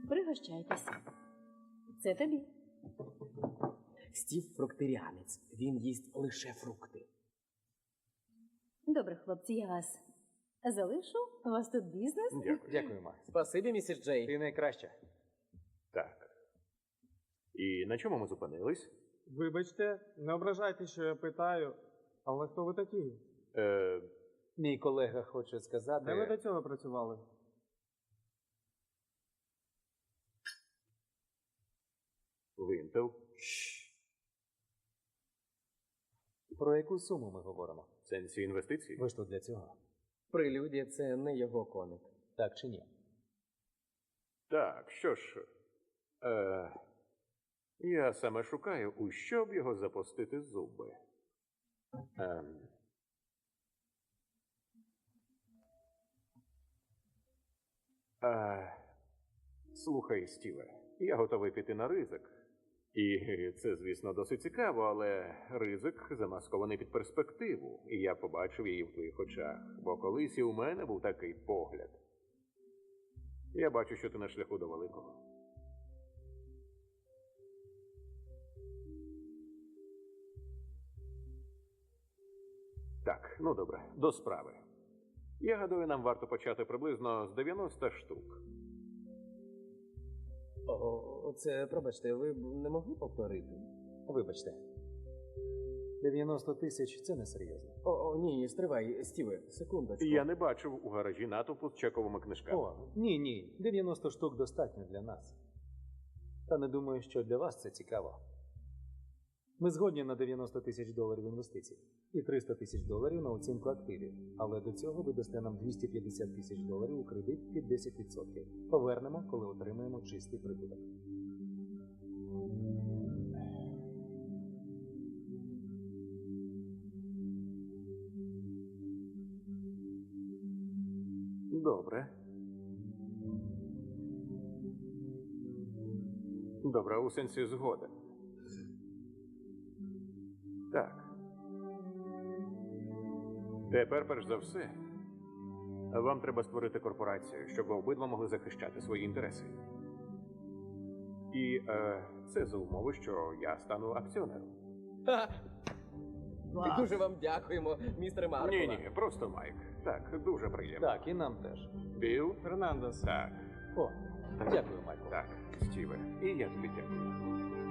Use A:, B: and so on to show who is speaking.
A: Пригощайтеся. Це тобі.
B: Стів фруктеріанець. Він їсть лише фрукти.
A: Добре, хлопці, я вас залишу. У вас тут бізнес?
C: Дякую.
D: Дякую, Ма.
B: Спасибі, місіс Джей.
D: Ти найкраща.
C: Так. І на чому ми зупинились?
E: Вибачте, не ображайте, що я питаю, але хто ви такі?
D: Мій колега хоче сказати...
E: Де ви до цього працювали?
C: Винтел.
D: Про яку суму ми говоримо?
C: В сенсі інвестицій?
D: Ви ж тут для цього.
B: Прелюдія – це не його коник.
D: Так чи ні?
C: Так, що ж. Я саме шукаю, у що б його запустити зуби. Слухай, Стіве, я готовий піти на ризик. І це, звісно, досить цікаво, але ризик замаскований під перспективу. І я побачив її в твоїх очах. Бо колись і у мене був такий погляд. Я бачу, що ти на шляху до великого. Так, ну добре, до справи. Я гадаю, нам варто почати приблизно з 90 штук.
B: Це, пробачте, ви б не могли повторити?
D: Вибачте. 90 тисяч – це несерйозно.
B: Ні, стривай, Стіве, секундочку.
C: Я не бачив у гаражі натовпу з чековими книжками.
D: Ні. 90 штук достатньо для нас. Та не думаю, що для вас це цікаво. Ми згодні на 90 тисяч доларів інвестицій і 300 тисяч доларів на оцінку активів. Але до цього ви дасте нам 250 тисяч доларів у кредит під 10%. Повернемо, коли отримаємо чистий прибуток.
C: Добре. Добре, у сенсі згода. Так. Тепер, перш за все, вам треба створити корпорацію, щоб ви обидва могли захищати свої інтереси. І це за умови, що я стану акціонером.
B: Дуже вам дякуємо, містере Маркова.
C: Ні, просто Майк. Так, дуже приємно.
D: Так, і нам теж.
C: Білл?
E: Фернандес.
C: Так.
D: Дякую, Майкл.
C: Так, Стіве. І я тобі дякую.